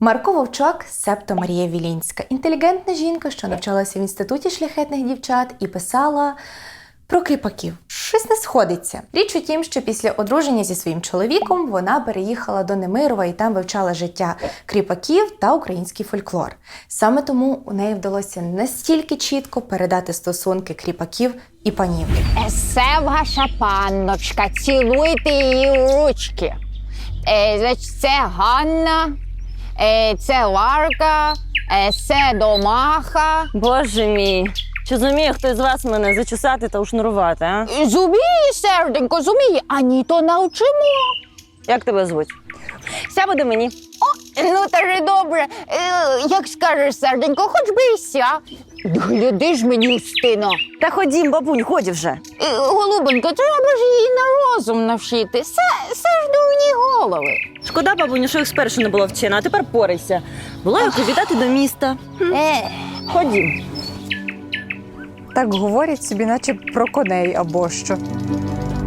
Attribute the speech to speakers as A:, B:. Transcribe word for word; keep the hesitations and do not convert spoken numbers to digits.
A: Марко Вовчок, себто Марія Вілінська. Інтелігентна жінка, що навчалася в інституті шляхетних дівчат і писала про кріпаків. Щось не сходиться. Річ у тім, що після одруження зі своїм чоловіком вона переїхала до Немирова і там вивчала життя кріпаків та український фольклор. Саме тому у неї вдалося настільки чітко передати стосунки кріпаків і панів.
B: Це ваша панночка, цілуйте її у ручки. Е, значить, це Ганна, е, це Ларка, е, це Домаха.
C: Боже мій, чи зуміє хтось з вас мене зачесати та ушнурувати, а?
B: Зуміє, серденько, зуміє, а ні, то навчимо.
C: Як тебе звуть? Ся буде мені.
B: О, ну та ж добре, е, як скажеш, серденько, хоч би і ся. Гляди ж мені, Устино.
C: Та ходім, бабунь, ході вже.
B: Е, Голубенько, треба ж її на розум навчити. Це, це ж дурні голови.
C: Шкода, бабуню, що їх спершу не було вчена, а тепер порайся. Була як віддати до міста.
B: Е,
C: Ходім.
D: Так говорять собі, наче про коней або що.